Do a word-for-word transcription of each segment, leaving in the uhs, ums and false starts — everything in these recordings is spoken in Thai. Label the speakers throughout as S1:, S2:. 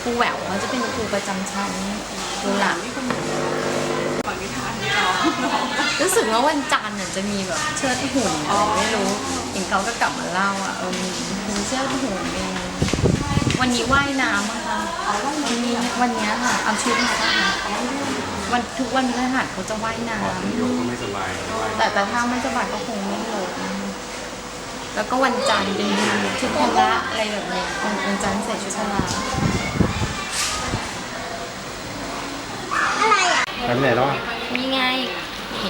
S1: ครูแหววเขาจะเป็นครูประจำชั้นดูหลัง
S2: ฝังนิทานนี่น้อง
S1: รู้สึกว่าวันจันทร์จะมีแบบเชิดหุ่นอะไรไม่รู้เห็นเขาก็กลับมาเล่าอ่ะเออมีมีเชิดหุ่นมีวันนี้ว่ายน้ำมั้งคะวันนี้วันนี้ค่ะเอาชุดมาป่ะคะวันทุกวันพฤหัสเขาจะว่ายน้ำ
S3: โยกก็ไม่สบาย
S1: แต่แต่ถ้าไม่สบายก็คงไม่ลงแล้วก็วันจันทร์เป็นชุดพละอะไรแบบนี้วันจันทร์ใส่ชุดพละ
S4: อะไรอ่ะ
S3: ไปไหนแล้ว
S1: นี่ไงนี่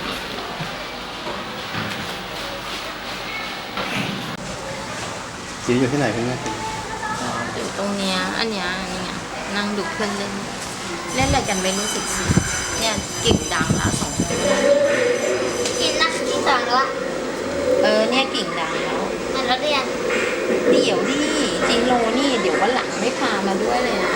S3: จีอยู่ที่ไหนคุณแม่
S1: อยู่ตรงเนี้ยอันเนี้ยนี่ไงนั่งดูเพื่อนเล่นเล่นอะไรกันไม่รู้สึกสิเนี่ยกิ่งดังละสองคน
S4: กินนักที่สองแล้วอ่ะ
S1: เออเนี่ยกิ่งดังแล้ว
S4: มันแล้วเรียน
S1: เดี๋ยวดิจิโรนี่เดี๋ยววันหลังไม่พามาด้วยเลยนะ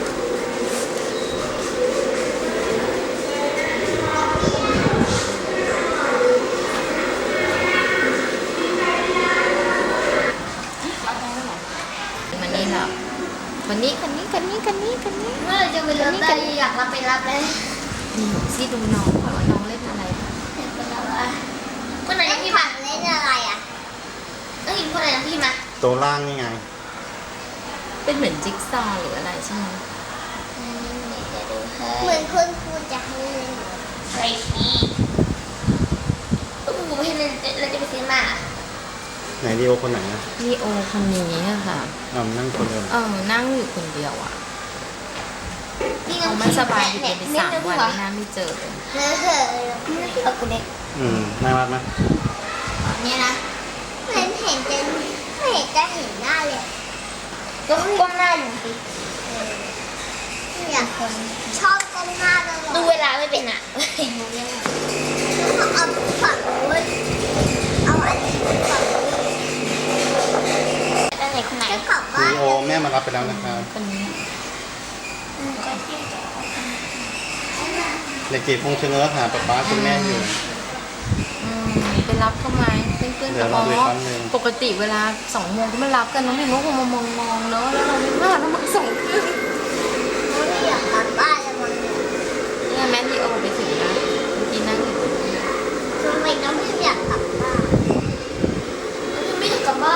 S1: มันนี่ครับวันนี้คันนี้คันนี้คันนี้คันนี้
S4: เมื่อไหร่จะไปรับได้อยากรับไปรับเลย
S1: นี่ซี่ดูน้องก่อนว่าน้องเล่นอะไรบ้าง
S4: เห็นคนละว่าคนไหนพี่มาเล่นอะไรอ่ะต้องกินคนไหนนะพี่มา
S3: ตัวล่างนี่ไง
S1: เป็นเหมือนจิ๊กซอว์หรืออะไรใช่ไหม
S4: เหมือนคุณครูจะให้เล่นใช่พี่คุณครูไม่ให้เล่นเราจะไปซื้อมา
S3: ไหนดีโอคนไหนนะ
S1: ลีโอคนนี้อะค่ะ
S3: อ่านั่งคนเดียว
S1: เออนั่งอยู่คนเดียวอ่ะ
S4: นี่
S1: เขาไม่สบายอยู่เป็นสามวันไม่น่าไม่เจอเลย
S4: เนื้อเหอะเนื้อที่เราคุณเล็ก
S3: อืมน่ารักไหม
S4: เนี่ยนะเห็นเห็นจะไม่เห็นจะเห็นหน้าเลยก็ก้มหน้าอยู่สิอยากคนชอบก้มหน้าตลอดดูเวลาไม่เป็นอ่ะเห็นเรื่องแล้วเอาฝั่งนู้นเอาอันนี้ฝั่งนู้นอันไหนคนไหนจะกลับบ้า
S3: ดี
S4: น
S3: โอแม่มารับไปแล้วนะครับ
S1: คนนี้
S3: เด็กจีบคงเชิงเออหาป๊าป๊าคุณแม่อยู่
S1: อืมไปรับเขาไหมเพื่อนๆ
S3: เดี๋ยวเราดูอีกครั้งหนึ่ง
S1: ปกติเวลาสองโมงก็ไม่รับกันน้องพิมก็คงมามองมองๆเนอะแล้วเราไม่พลาดแล้วมาสอง